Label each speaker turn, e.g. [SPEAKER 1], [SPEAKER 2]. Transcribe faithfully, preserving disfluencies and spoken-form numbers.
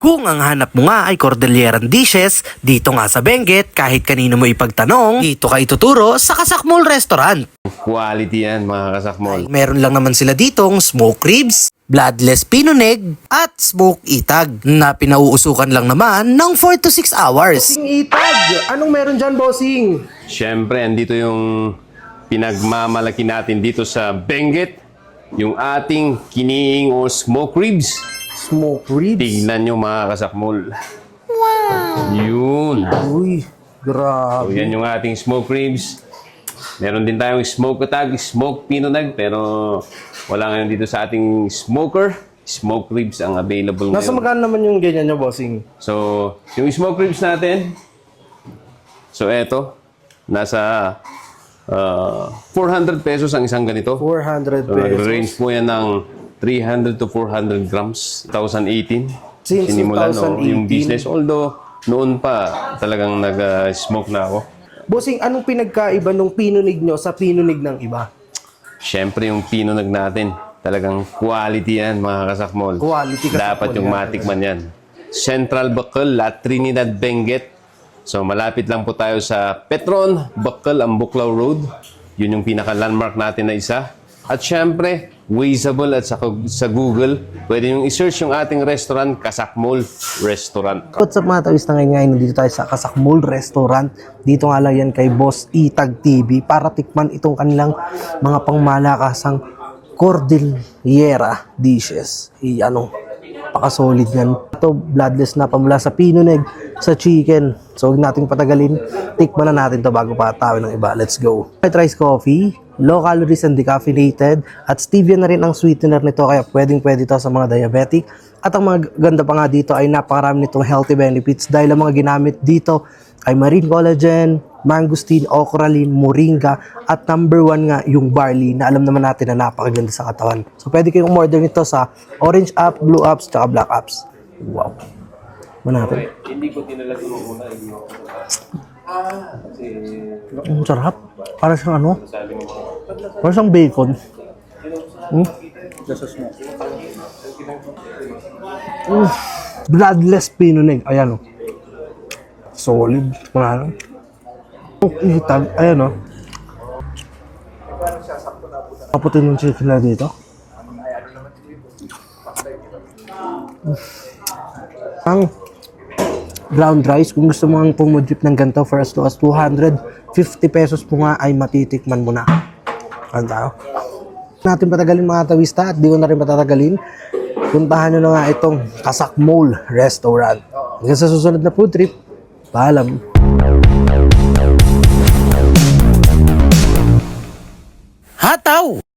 [SPEAKER 1] Kung ang hanap mo nga ay Cordilleran dishes, dito nga sa Benguet, kahit kanino mo ipagtanong, dito ka ituturo sa Kasakmol Restaurant.
[SPEAKER 2] Quality yan mga kasakmol.
[SPEAKER 1] Meron lang naman sila ditong smoked ribs, bloodless pinuneg, at smoked itag na pinauusukan lang naman ng four to six hours.
[SPEAKER 3] Bossing Itag! Anong meron dyan, bossing?
[SPEAKER 2] Siyempre, andito yung pinagmamalaki natin dito sa Benguet. Yung ating kiniing o smoke ribs.
[SPEAKER 3] Smoke ribs.
[SPEAKER 2] Tignan nyo mga kasakmol. Wow! Yun.
[SPEAKER 3] Uy,
[SPEAKER 2] So,
[SPEAKER 3] grabe.
[SPEAKER 2] yan yung ating smoke ribs. Meron din tayong smoke atag, smoke pinunag, pero wala ngayon dito sa ating smoker. Smoke ribs ang available
[SPEAKER 3] Nasa
[SPEAKER 2] ngayon.
[SPEAKER 3] magkano naman yung ganyan nyo, bossing?
[SPEAKER 2] So, yung smoke ribs natin, so eto, nasa uh, four hundred pesos ang isang ganito.
[SPEAKER 3] four hundred
[SPEAKER 2] So,
[SPEAKER 3] pesos.
[SPEAKER 2] nag-range po yan ng three hundred to four hundred grams. twenty eighteen.
[SPEAKER 3] Since
[SPEAKER 2] Sinimulan, no,
[SPEAKER 3] twenty eighteen.
[SPEAKER 2] yung business. Although, noon pa, talagang nag-smoke na ako.
[SPEAKER 3] Bossing, anong pinagkaiba nung pinunig nyo sa pinunig ng iba?
[SPEAKER 2] Siyempre, yung pinunag natin, talagang quality yan, mga kasakmol.
[SPEAKER 3] Quality kasakmol
[SPEAKER 2] Dapat yung
[SPEAKER 3] yan.
[SPEAKER 2] matikman yan. Central Bacol, La Trinidad, Benguet. So, malapit lang po tayo sa Petron, Bacol, Ambuclao Road. Yun yung pinaka-landmark natin na isa. At syempre, Wazeable at sa, sa Google, pwede yung i-search yung ating restaurant, Kasakmol Restaurant.
[SPEAKER 3] What's up mga tawis na ngayon ngayon, nandito tayo sa Kasakmol Restaurant. Dito nga lang yan kay Boss Itag T V para tikman itong kanilang mga pangmalakasang Cordillera dishes. I, ano, pakasolid yan. Ito, bloodless na pamula sa pinuneg, sa chicken. So, huwag nating patagalin. Tikman na natin to bago pa tawin ng iba. Let's go. White rice coffee, low calories and decaffeinated, at stevia na rin ang sweetener nito, kaya pwedeng pwede to sa mga diabetic. At ang mga ganda pa nga dito ay napakarami nitong healthy benefits dahil ang mga ginamit dito ay marine collagen, mangosteen, okralin, moringa, at number one nga yung barley na alam naman natin na napakaganda sa katawan. So pwede kayong umorder nito sa orange app, blue apps, tsaka black apps. Wow. Manapin.
[SPEAKER 2] Hindi ko tinalag yung una.
[SPEAKER 3] Ang sarap. Para siyang ano? Para siyang bacon. Hmm? Mm. Bloodless pinuneg. Ayan o. Solid. Mga itag. Ayan o. Kaputin yung chicken na dito. Mm. Ang ground rice, kung gusto mo ang pumudrip ng ganito for as low as two hundred fifty pesos po nga ay matitikman mo na. Ano tayo? Natin patagalin mga tawista at di ko na rin patatagalin. Puntahan nyo na nga itong Kasakmol Restaurant. Hanggang sa susunod na food trip, paalam.
[SPEAKER 1] Hataw!